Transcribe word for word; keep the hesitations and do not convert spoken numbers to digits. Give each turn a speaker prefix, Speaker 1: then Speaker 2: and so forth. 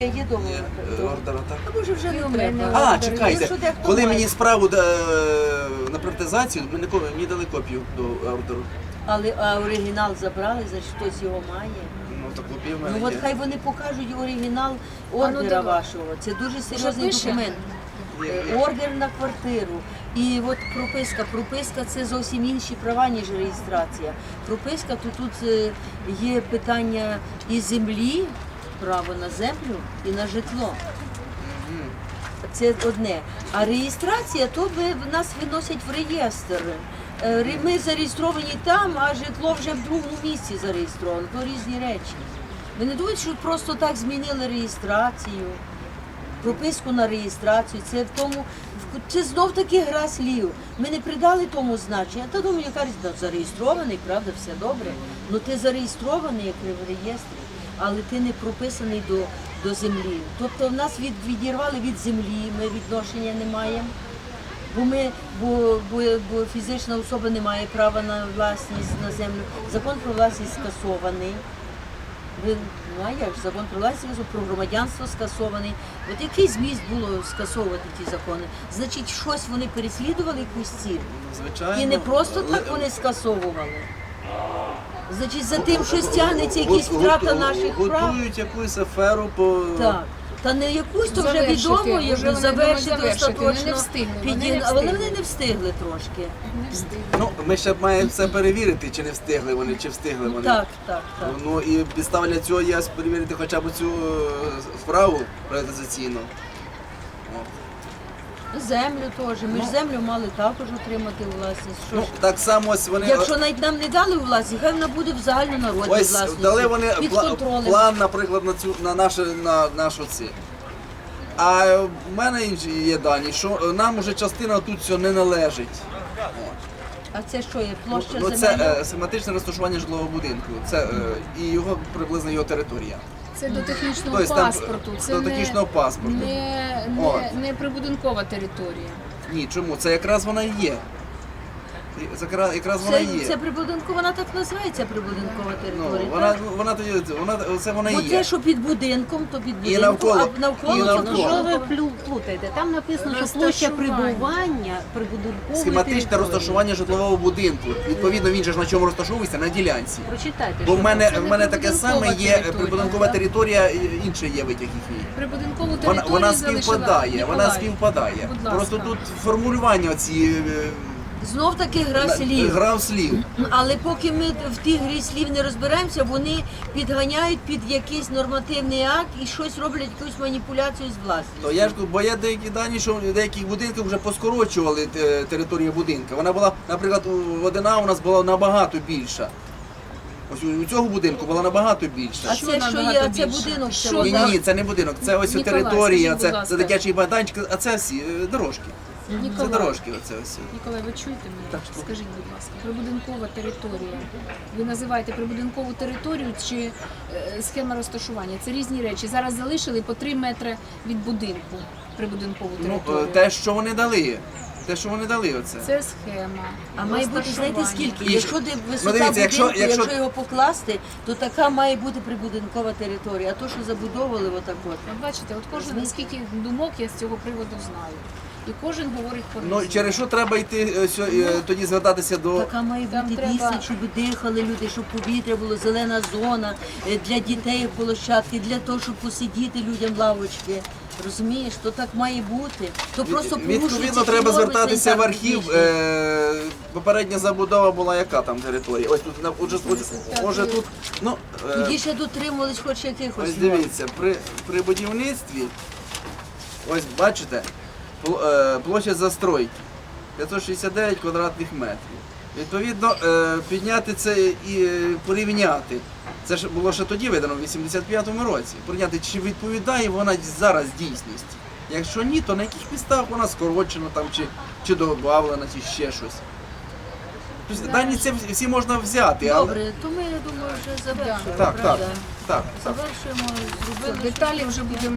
Speaker 1: Є дома
Speaker 2: ордера, так?
Speaker 1: А може вже не треба.
Speaker 2: А, чекайте,
Speaker 1: Якщо дехто
Speaker 2: коли
Speaker 1: має.
Speaker 2: мені справу е, на приватизацію, мені, мені дали копію до ордеру.
Speaker 1: Але а оригінал забрали, значить хтось його має.
Speaker 2: Ну, так копія в мене
Speaker 1: Ну от
Speaker 2: є.
Speaker 1: хай вони покажуть оригінал
Speaker 3: ну,
Speaker 1: ордера
Speaker 3: давай.
Speaker 1: вашого. Це дуже серйозний
Speaker 3: пише?
Speaker 1: документ.
Speaker 2: Є,
Speaker 1: Е,
Speaker 2: є.
Speaker 1: Ордер на квартиру. І от прописка. Прописка це зовсім інші права, ніж реєстрація. Прописка, то тут е, є питання і землі, право на землю, і на житло. Це одне. А реєстрація, то ви, нас виносять в реєстр. Е, ре- Ми зареєстровані там, а житло вже в другому місці зареєстровано. То різні речі. Ви не думаєте, що просто так змінили реєстрацію, прописку на реєстрацію. Це в тому, це знов таки гра слів. Ми не придали тому значення. Та думаю, яка різниця, зареєстрований, правда, все добре. Ну ти зареєстрований як в реєстрі, але ти не прописаний до, до землі. Тобто в нас від, відірвали від землі, ми відношення не маємо. Бо ми, бо, бо, бо фізична особа не має права на власність на землю. Закон про власність скасований. Ви, ну а як ж, закон про власність, про громадянство скасований. От який зміст було скасовувати ті закони? Значить, щось вони переслідували, якусь ціль.
Speaker 2: Звичайно.
Speaker 1: І не просто так
Speaker 2: Але-
Speaker 1: вони скасовували. Значить, за тим щось тягнеться якісь
Speaker 2: Гу-
Speaker 1: втрата
Speaker 2: гу-
Speaker 1: наших прав.
Speaker 2: Готують якусь аферу по...
Speaker 1: Так. Та не якусь, то вже
Speaker 3: Завершити,
Speaker 1: відомо,
Speaker 3: вже
Speaker 1: як
Speaker 3: вони
Speaker 1: завершити
Speaker 3: думають завершити, вони
Speaker 1: остаточно.
Speaker 3: не встигли, вони
Speaker 1: піді-
Speaker 3: не
Speaker 1: Але
Speaker 3: встигли.
Speaker 1: вони не встигли трошки.
Speaker 3: Не встигли.
Speaker 2: Ну, ми ще маємо все перевірити, чи не встигли вони, чи встигли вони.
Speaker 1: Так, так, так.
Speaker 2: Ну і підстава для цього є перевірити хоча б цю е, справу приватизаційну. От.
Speaker 1: Землю теж. Ми ж землю мали також отримати у власність. Що
Speaker 2: Ну,
Speaker 1: ж?
Speaker 2: так само ось вони...
Speaker 1: Якщо навіть нам не дали у власність, хай вона буде в загальнонародній
Speaker 2: Ось
Speaker 1: власності.
Speaker 2: дали вони
Speaker 1: під
Speaker 2: пла-
Speaker 1: контролем.
Speaker 2: план, наприклад, на цю на наше на нашу ці. А в мене інші є дані, що нам уже частина тут цього не належить. От.
Speaker 1: А це що є? Площа
Speaker 2: Ну, це
Speaker 1: земельна?
Speaker 2: е, схематичне розташування житлового будинку. Це е, і його приблизно його територія.
Speaker 3: Це до технічного
Speaker 2: Тобто там,
Speaker 3: паспорту. Це
Speaker 2: до
Speaker 3: не,
Speaker 2: технічного паспорту.
Speaker 3: Не,
Speaker 2: От.
Speaker 3: не, не прибудинкова територія.
Speaker 2: Ні, чому? Це якраз вона і є. І Це якраз, якраз вона
Speaker 1: Це,
Speaker 2: і є.
Speaker 1: це прибудинкова, вона так називається прибудинкова
Speaker 2: Ну,
Speaker 1: територія.
Speaker 2: вона,
Speaker 1: так?
Speaker 2: вона, тоді, вона, це вона і
Speaker 1: Бо
Speaker 2: є.
Speaker 1: те, що під будинком, то під будинком,
Speaker 2: навколо,
Speaker 1: а навколо,
Speaker 2: і
Speaker 1: то
Speaker 2: навколо.
Speaker 1: що
Speaker 4: Що ви
Speaker 1: ви
Speaker 4: плю- плутаєте? Там написано, що площа
Speaker 3: Розташування.
Speaker 4: прибування прибудинкової
Speaker 2: Схематичне
Speaker 4: території.
Speaker 2: розташування житлового будинку. Відповідно, він же ж на чому розташовується? На ділянці.
Speaker 4: Прочитайте.
Speaker 2: Бо в
Speaker 4: що
Speaker 2: мене,
Speaker 3: це
Speaker 2: в
Speaker 3: не
Speaker 2: мене таке
Speaker 3: прибудинкова
Speaker 2: саме є
Speaker 3: територія,
Speaker 2: прибудинкова
Speaker 3: так?
Speaker 2: територія, і інший є витяг їхній.
Speaker 3: Прибудинкову
Speaker 2: Вона,
Speaker 3: територію
Speaker 2: вона
Speaker 3: залишила
Speaker 2: співпадає, вона
Speaker 3: Ніколаїв.
Speaker 2: співпадає.
Speaker 3: Будь ласка.
Speaker 2: Просто тут формулювання ці
Speaker 1: знов таки гра слів.
Speaker 2: гра в слів.
Speaker 1: Але поки ми в тій грі слів не розберемося, вони підганяють під якийсь нормативний акт і щось роблять, якусь маніпуляцію з власністю.
Speaker 2: То я ж кажу, бо є деякі дані, що в деяких будинках вже поскорочували те- територію будинку. Вона була, наприклад, у Водина у нас була набагато більша. Ось у у цього будинку була набагато більша.
Speaker 1: А
Speaker 3: Що
Speaker 1: це що
Speaker 3: набагато
Speaker 1: є? А це
Speaker 3: більше?
Speaker 1: будинок?
Speaker 3: Що
Speaker 1: Це
Speaker 2: Ні,
Speaker 1: вода?
Speaker 2: ні, ні, це не будинок, це ось
Speaker 3: Ніколай,
Speaker 2: територія,
Speaker 3: скажіть,
Speaker 2: це,
Speaker 3: будь
Speaker 2: це
Speaker 3: ласка.
Speaker 2: дитячий майданчик, а це всі е, дорожки. Це
Speaker 3: Ніколай,
Speaker 2: дорожки, оце ось.
Speaker 3: Ніколай, ви чуєте мене?
Speaker 2: Так, що?
Speaker 3: Скажіть, будь ласка, прибудинкова територія. Ви називаєте прибудинкову територію чи е, схема розташування? Це різні речі. Зараз залишили по три метри від будинку прибудинкову
Speaker 2: Ну,
Speaker 3: територію.
Speaker 2: е, те, що вони дали. Те, що вони дали оце.
Speaker 3: Це схема.
Speaker 1: А має бути, знаєте,
Speaker 3: розташування.
Speaker 1: скільки?
Speaker 2: І-
Speaker 1: Якщо де висота
Speaker 2: ну, дивіться, якщо-
Speaker 1: будинку, якщо,
Speaker 2: якщо-
Speaker 1: його покласти, то така має бути прибудинкова територія. А то, що забудовували отак от.
Speaker 3: От бачите, от кожен скільки думок я з цього приводу знаю. І кожен говорить по
Speaker 2: Ну, через що треба йти е, сьо- е, тоді звертатися до...
Speaker 1: Така має
Speaker 3: Там
Speaker 1: бути
Speaker 3: треба-
Speaker 1: відстань, щоб дихали люди, щоб повітря було, зелена зона, е, для дітей площадки, для того, щоб посидіти людям лавочки. Розумієш, то так має бути. То просто порушується
Speaker 2: Відповідно,
Speaker 1: ті
Speaker 2: треба
Speaker 1: норми
Speaker 2: звертатися в архів.
Speaker 1: санітарно-технічні.
Speaker 2: Е, попередня забудова була яка там територія? Ось тут, на- отже, ось, може тут, ну, е,
Speaker 1: Тоді ще дотримувались хоч якихось
Speaker 2: ось
Speaker 1: норм.
Speaker 2: дивіться, при, при будівництві, ось бачите, пл- е, площа застройки п'ятсот шістдесят дев'ять квадратних метрів. Відповідно, е, підняти це і е, порівняти. Це ж було ще тоді видано, в вісімдесят п'ятому році. Порівняти, чи відповідає вона зараз дійсності. Якщо ні, то на яких підставах вона скорочена там, чи, чи додавлена, чи ще щось. Тобто, дані ці всі можна взяти, але...
Speaker 1: Добре, то ми, я думаю, вже завершуємо,
Speaker 2: Так, так,
Speaker 1: правда?
Speaker 2: так.
Speaker 1: Завершуємо, зробили.
Speaker 3: Деталі вже будемо